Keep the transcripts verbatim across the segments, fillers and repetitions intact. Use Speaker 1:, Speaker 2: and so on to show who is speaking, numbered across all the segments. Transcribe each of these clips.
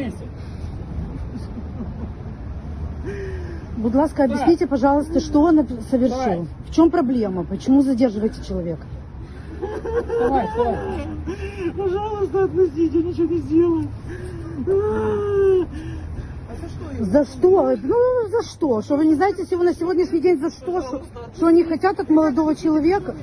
Speaker 1: месте.
Speaker 2: Будь ласка, объясните, пожалуйста, что он совершил?
Speaker 1: Давай.
Speaker 2: В чем проблема? Почему задерживаете человека?
Speaker 1: Давай, давай.
Speaker 3: Пожалуйста, отпустите, я ничего не сделаю.
Speaker 2: За что? Ну, за что? Что вы не знаете всего на сегодняшний день за что? Что, что они хотят от молодого человека?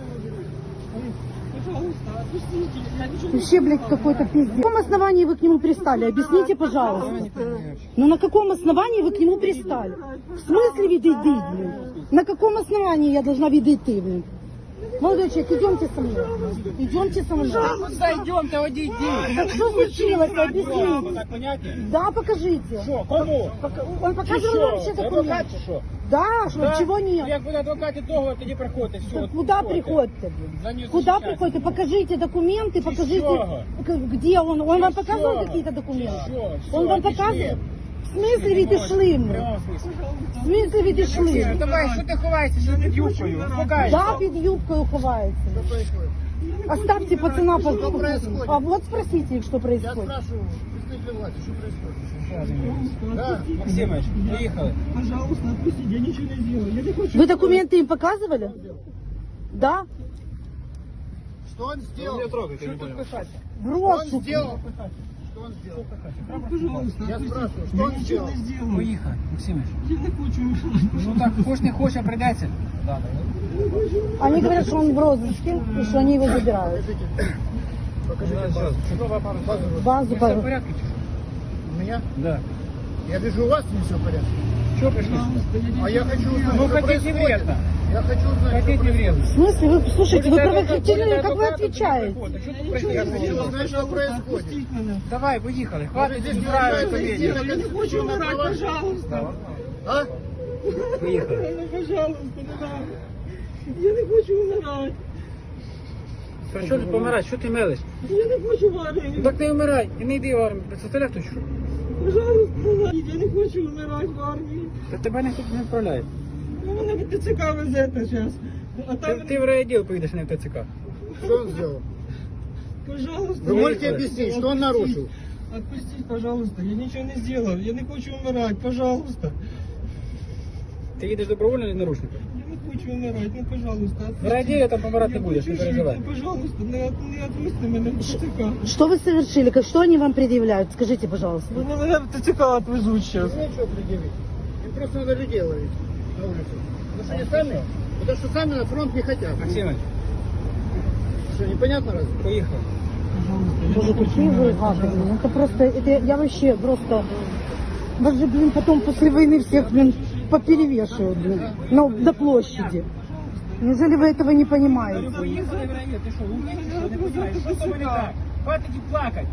Speaker 3: Пожалуйста, отпустите, я ничего не
Speaker 2: Вообще, блядь, какой-то пиздец. На каком основании вы к нему пристали? Объясните, пожалуйста. Ну, на каком основании вы к нему пристали? В смысле виды, блин? На каком основании я должна виды ты, блин? Молодой человек, идемте со мной. Идемте со мной.
Speaker 1: Куда идем, ты иди, иди.
Speaker 2: Так что случилось? Объясните.
Speaker 1: Так понятнее?
Speaker 2: Да, покажите.
Speaker 1: Що, кому?
Speaker 2: Он показывал вам все
Speaker 1: Адвокат
Speaker 2: документы.
Speaker 1: чи що?
Speaker 2: Да, что, чего нет?
Speaker 1: Як буде адвокат договор, тоді приходьте. Все,
Speaker 2: Так куда приходите, блин?
Speaker 1: За нее
Speaker 2: Куда
Speaker 1: защищать.
Speaker 2: приходите? Покажите документы, покажите,
Speaker 1: чего?
Speaker 2: где он. Он вам
Speaker 1: Чего?
Speaker 2: показывал какие-то документы?
Speaker 1: Чего?
Speaker 2: Он вам
Speaker 1: Всё,
Speaker 2: показывал?
Speaker 1: отошли.
Speaker 2: В смысле ведь и шли мы? В смысле ведь и шли?
Speaker 1: Давай, що ти ховаєшся, що під юбкою? Успокайся.
Speaker 2: Да, під юбкою ховается. Оставьте пацана. по- А вот спросите их, что происходит.
Speaker 4: Спрашиваю, представитель власти, что происходит? Да.
Speaker 1: Максимович, поїхали.
Speaker 3: Пожалуйста, отпустите, я ничего не сделаю. Я не хочу.
Speaker 2: Вы документы им показывали? Да?
Speaker 4: Что он сделал?
Speaker 1: трогайте,
Speaker 4: Что тут писать?
Speaker 2: В
Speaker 4: Что он
Speaker 2: розыск.
Speaker 4: сделал? Что он сделал?
Speaker 3: Пожалуйста,
Speaker 4: Я
Speaker 3: отпустите.
Speaker 4: спрашиваю, что
Speaker 3: Я
Speaker 4: он
Speaker 3: ничего
Speaker 4: сделал?
Speaker 3: не сделаю.
Speaker 1: Поїхали, Максимович.
Speaker 3: Я не хочу.
Speaker 1: Ну так, хоч не хоче, а прийдеться.
Speaker 2: Они говорят, что он в розыске и что они его забирают.
Speaker 4: Покажите базу.
Speaker 2: Базу,
Speaker 1: Все в
Speaker 2: базу.
Speaker 1: порядку чи що?
Speaker 4: У меня?
Speaker 1: Да.
Speaker 4: Я вижу, у вас не все в порядке.
Speaker 1: Чого прийшли?
Speaker 4: А я хочу узнать,
Speaker 1: Ну,
Speaker 4: что
Speaker 1: хотите
Speaker 4: происходит.
Speaker 1: вредно.
Speaker 4: Я хочу узнать,
Speaker 1: Хотите
Speaker 4: что происходит.
Speaker 1: вредно.
Speaker 2: В смысле? Вы, слушайте, вы
Speaker 1: Будете
Speaker 2: правоохранительные,
Speaker 1: адвоката,
Speaker 2: как вы
Speaker 1: адвоката,
Speaker 2: отвечаете?
Speaker 1: тоді приходьте. Що тут
Speaker 4: Я
Speaker 1: прийшли?
Speaker 4: хочу узнать, что происходит.
Speaker 3: Отпустите меня.
Speaker 1: Давай, поїхали.
Speaker 4: Вы
Speaker 1: Хватить
Speaker 4: здесь не
Speaker 1: устраивать
Speaker 4: устраиваете
Speaker 1: комедию.
Speaker 3: Я не хочу умирать, пожалуйста.
Speaker 4: А?
Speaker 1: Поїхали.
Speaker 3: Ну, пожалуйста, не надо. Я не хочу умирать.
Speaker 1: Про що тут помирати? Що ти мелиш?
Speaker 3: Я не хочу в
Speaker 1: Ну
Speaker 3: армію.
Speaker 1: так не вмирай. І не йди в армію. Представляєш, то що?
Speaker 3: Пожалуйста, я не хочу умирати в армії.
Speaker 1: Та тебе ніхто не відправляє.
Speaker 3: Ну, мене в ТЦК везете зараз. А
Speaker 1: Ти,
Speaker 3: там,
Speaker 1: ти в райвідділ поїдеш, а не в ТЦК.
Speaker 4: Что он сделал?
Speaker 3: пожалуйста.
Speaker 4: Вы
Speaker 3: я-
Speaker 4: можете объяснить, что он нарушил?
Speaker 3: Отпустите, пожалуйста, я ничего не сделал. Я не хочу умирать, пожалуйста.
Speaker 1: Ти їдеш добровольно чи наручником?
Speaker 3: Я не хочу умирать, ну, пожалуйста.
Speaker 1: В
Speaker 3: отпустите.
Speaker 1: райвідділі там помирати не
Speaker 3: Я
Speaker 1: будеш, не
Speaker 3: хочу жить,
Speaker 1: переживай.
Speaker 3: ну, пожалуйста, не, от- не отпусти мене в ТЦК.
Speaker 2: Что вы совершили? Как- Что они вам предъявляют? Скажите, пожалуйста.
Speaker 3: Вони мене в ТЦК отвезуть зараз.
Speaker 4: Нечего предъявить. Им просто надо людей ловить на улице. Потому что они сами, потому что сами на фронт не хотят.
Speaker 1: Максимович,
Speaker 4: Что, непонятно разве?
Speaker 1: поїхали.
Speaker 2: Боже, какие вы гады, блин. Это просто, это я вообще просто... Вас же, блин, потом после войны всех, блин, поперевешивают, блин, на, на площади. Неужели вы этого не понимаете?
Speaker 1: Поїхали в райвідділ. Ти що, умний чи що? Не понимаєш? Що з тобою не так? Хватить і плакати.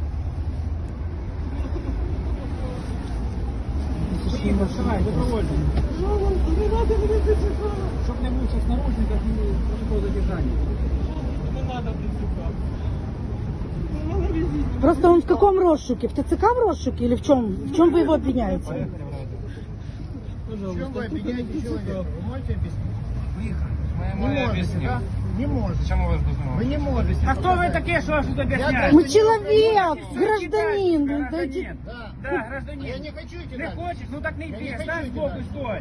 Speaker 1: Давай, добровольно.
Speaker 3: Пожалуйста, не надо мене в ТЦК.
Speaker 1: Щоб не був в наручниках і протокол задержання.
Speaker 3: Не надо в ТЦК. Ну, мене везіть.
Speaker 2: Просто он в каком розшуке? В ТЦК в розшуке или в чем? В чем вы его обвиняете?
Speaker 4: В чем
Speaker 3: Пожалуйста,
Speaker 4: вы обвиняете человека? Вы можете объяснить?
Speaker 1: Поїхали.
Speaker 4: Не можете, да? Не можете.
Speaker 1: Чому вас дознали?
Speaker 4: Вы не можете.
Speaker 1: А хто ви таке, що вас тут об'ясняєте?
Speaker 2: Мы человек, гражданин, блин, дайте...
Speaker 4: Да.
Speaker 1: Да,
Speaker 4: А
Speaker 1: гражданин.
Speaker 4: я не хочу идти
Speaker 1: Не
Speaker 4: дальше.
Speaker 1: хочеш? Ну так не
Speaker 4: Я не
Speaker 1: йди,
Speaker 4: хочу
Speaker 1: стань
Speaker 4: йти
Speaker 1: збоку,
Speaker 4: далі.
Speaker 1: стой.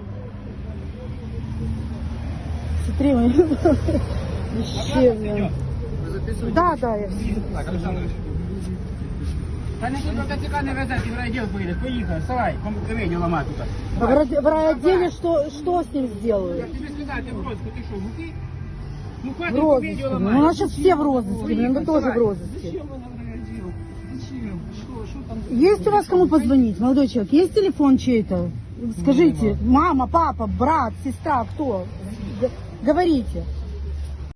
Speaker 2: Смотри, мы... Вообще, блин.
Speaker 4: Вы записываете?
Speaker 2: Да, да, я...
Speaker 1: Так, Олександрович. Та не тут до ТЦК не везе, ти в райвідділ поїдеш. Поїхали, вставай, комедію ламати тут.
Speaker 2: А в рай- в райотделе что, что с ним
Speaker 1: Я
Speaker 2: сделают?
Speaker 1: тобі сказав, ти в розыску, ти що, муки? Ну
Speaker 2: В
Speaker 1: хватить комедію
Speaker 2: розыске.
Speaker 1: ламати.
Speaker 2: Ну, у нас сейчас все в розыске, блин, вы тоже в
Speaker 1: Давай.
Speaker 2: розыске.
Speaker 3: Зачем мене в райвідділ? Зачем? Що, що там?
Speaker 2: Есть у вас кому позвонить, молодой человек? Есть телефон чей-то? Скажите, мама, папа, брат, сестра, кто? Г- Говорите.